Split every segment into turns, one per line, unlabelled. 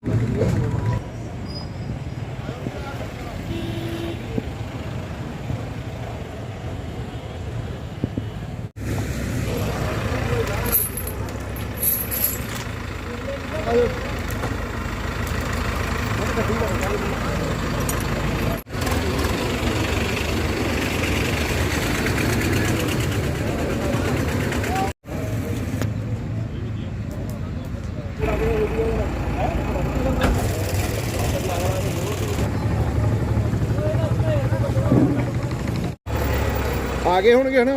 ਆ ਗਏ ਹੋਣਗੇ ਹਨਾ।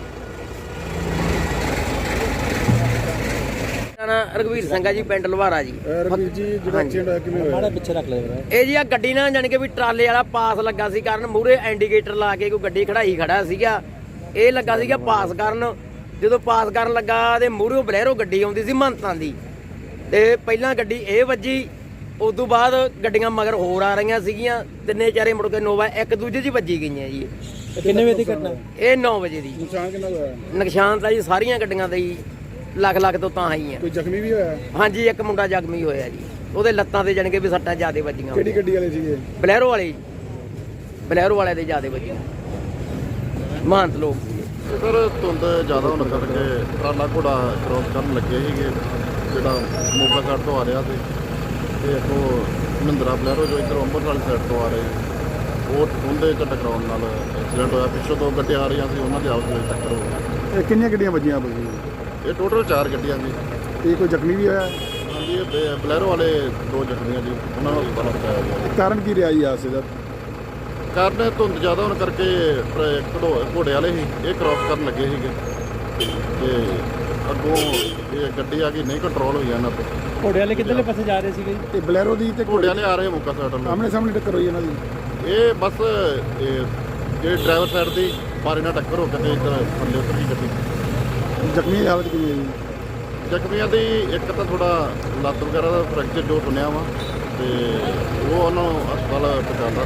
ਰਘਵੀਰ ਸਿੰਘ ਆ ਜੀ, ਪਿੰਡ ਲਵਾਰਾ ਜੀ।
ਰਘਵੀਰ ਜੀ ਜਿਹੜਾ ਐਕਸੀਡੈਂਟ ਹੋਇਆ ਕਿਵੇਂ ਹੋਇਆ?
ਪਿੱਛੇ ਰੱਖ ਲਿਆ
ਇਹ ਜੀ ਆ ਗੱਡੀ ਨਾਲ ਜਾਣੀ ਕਿ ਵੀ ਟਰਾਲੇ ਵਾਲਾ ਪਾਸ ਲੱਗਾ ਸੀ ਕਰਨ, ਮੂਹਰੇ ਇੰਡੀਕੇਟਰ ਲਾ ਕੇ ਕੋਈ ਗੱਡੀ ਖੜਾਈ ਖੜਾ ਸੀਗਾ। ਇਹ ਲੱਗਾ ਸੀਗਾ ਪਾਸ ਕਰਨ, ਜਦੋਂ ਪਾਸ ਕਰਨ ਲੱਗਾ ਤੇ ਮੂਹਰੇ ਬਲੈਰੋ ਗੱਡੀ ਆਉਂਦੀ ਸੀ ਮਹੰਤਾਂ ਦੀ, ਤੇ ਪਹਿਲਾਂ ਗੱਡੀ ਇਹ ਵੱਜੀ, ਉਸ ਤੋਂ ਬਾਅਦ ਗੱਡੀਆਂ ਮਗਰ ਹੋਰ ਆ ਰਹੀਆਂ ਸੀਗੀਆਂ, ਤਿੰਨੇ ਚਾਰੇ ਮੁੜ ਕੇ ਨੋਵਾ ਇੱਕ ਦੂਜੇ 'ਚ ਵੱਜੀ ਗਈਆਂ ਜੀ।
ਕਿੰਨੇ ਵਜੇ ਦੀ ਘਟਨਾ?
ਇਹ 9 ਵਜੇ ਦੀ।
ਨੁਕਸਾਨ ਕਿੰਨਾ ਹੋਇਆ?
ਨੁਕਸਾਨ ਤਾਂ ਜੀ ਸਾਰੀਆਂ ਗੱਡੀਆਂ ਦਾ ਹੀ ਲੱਖ ਤੋਂ ਤਾਂ ਆਈ ਆ।
ਕੋਈ ਜ਼ਖਮੀ ਵੀ ਹੋਇਆ?
ਹਾਂਜੀ, ਇੱਕ ਮੁੰਡਾ ਜ਼ਖਮੀ ਹੋਇਆ ਜੀ, ਉਹਦੇ ਲੱਤਾਂ ਤੇ ਜਾਣ ਕੇ ਵੀ ਸੱਟਾਂ ਜ਼ਿਆਦੇ ਵੱਜੀਆਂ।
ਕਿਹੜੀ ਗੱਡੀ ਵਾਲੇ ਸੀਗੇ?
ਬਲੈਰੋ ਵਾਲੇ ਜੀ, ਬਲੈਰੋ ਵਾਲੇ ਦੇ ਜ਼ਿਆਦੇ ਵੱਜੀਆਂ, ਮਹੰਤ ਲੋਕ ਸੀਗੇ।
ਸਰ ਧੁੰਦ ਜ਼ਿਆਦਾ ਹੋਣ ਕਰਕੇ ਟਰਾਲਾ ਘੋੜਾ ਕ੍ਰੋਸ ਕਰਨ ਲੱਗੇ ਸੀਗੇ, ਜਿਹੜਾ ਮੋਗਾ ਸਾਈਡ ਤੋਂ ਆ ਰਿਹਾ ਸੀ, ਤੇ ਅੱਗੋਂ ਮਹਿੰਦਰਾ ਬਲੈਰੋ ਜੋ ਇੱਧਰ ਅੰਮ੍ਰਿਤਸਰ ਵਾਲੀ ਸਾਈਡ ਤੋਂ ਆ ਰਹੀ, ਉਹ ਉਹਦੇ 'ਚ ਟਕਰਾਉਣ ਨਾਲ ਐਕਸੀਡੈਂਟ ਹੋਇਆ। ਪਿੱਛੋਂ ਦੋ ਗੱਡੀਆਂ ਆ ਰਹੀਆਂ ਸੀ, ਉਹਨਾਂ ਦੀ ਆਪਸ ਵਿੱਚ ਟੱਕਰ ਹੋ ਗਈ।
ਇਹ ਕਿੰਨੀਆਂ ਗੱਡੀਆਂ ਵੱਜੀਆਂ ਬਈ?
ਇਹ ਟੋਟਲ 4 ਗੱਡੀਆਂ ਸੀ।
ਤੇ ਕੋਈ ਜ਼ਖਮੀ ਵੀ ਹੋਇਆ?
ਹਾਂਜੀ, ਇਹ ਬਲੈਰੋ ਵਾਲੇ 2 ਜ਼ਖਮੀਆਂ ਜੀ, ਉਹਨਾਂ ਨੂੰ ਹਸਪਤਾਲ ਪਹੁੰਚਾਇਆ ਗਿਆ।
ਕਾਰਨ ਕੀ ਰਿਹਾ ਜੀ ਹਾਦਸੇ ਦਾ?
ਕਾਰਨ ਧੁੰਦ ਜ਼ਿਆਦਾ ਹੋਣ ਕਰਕੇ ਘੋੜੇ ਵਾਲੇ ਸੀ, ਇਹ ਕ੍ਰਾਸ ਕਰਨ ਲੱਗੇ ਸੀਗੇ, ਤੇ ਅੱਗੋਂ ਇਹ ਗੱਡੀ ਆ ਗਈ, ਨਹੀਂ ਕੰਟਰੋਲ ਹੋਈ ਇਹਨਾਂ ਤੋਂ।
ਘੋੜੇ ਵਾਲੇ ਕਿੱਧਰਲੇ ਪਾਸੇ ਜਾ ਰਹੇ ਸੀਗੇ?
ਤੇ ਬਲੈਰੋ ਦੀ ਤੇ
ਘੋੜੇ ਵਾਲੇ ਆ ਰਹੇ ਮੋਗਾ ਸਾਈਡ ਨੂੰ,
ਆਮਣੇ ਸਾਹਮਣੇ ਟੱਕਰ ਹੋਈ ਇਹਨਾਂ ਦੀ?
ਇਹ ਬਸ ਇਹ ਡਰਾਈਵਰ ਸਾਈਡ ਦੀ ਬਾਰੇ ਨਾਲ ਟੱਕਰ ਹੋ ਕੇ ਤੇ ਇੱਧਰ ਥੱਲੇ ਉਤਰ ਗਈ ਗੱਡੀ।
ਜ਼ਖਮੀ ਦੀ ਹਾਲਤ ਕਿਵੇਂ ਹੈ ਜੀ?
ਜ਼ਖਮੀਆਂ ਦੀ ਇੱਕ ਤਾਂ ਥੋੜਾ ਲੱਤ ਵਗੈਰਾ ਦਾ ਫ੍ਰੈਕਚਰ ਜੋ ਸੁਣਿਆ ਵਾ, ਤੇ ਉਹ ਉਹਨਾਂ ਨੂੰ ਹਸਪਤਾਲ ਪਹੁੰਚਾਉਂਦਾ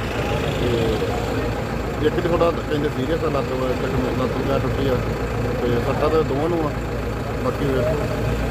ਤੇ ਇੱਕ ਥੋੜਾ ਕਹਿੰਦੇ ਸੀਰੀਅਸ ਆ, ਲੱਤ ਵਗੈਰਾ ਟੁੱਟੀ ਆ, ਤੇ ਸੱਟਾਂ ਤਾਂ ਦੋਵਾਂ ਨੂੰ ਆ, ਬਾਕੀ ਵੇਖੋ।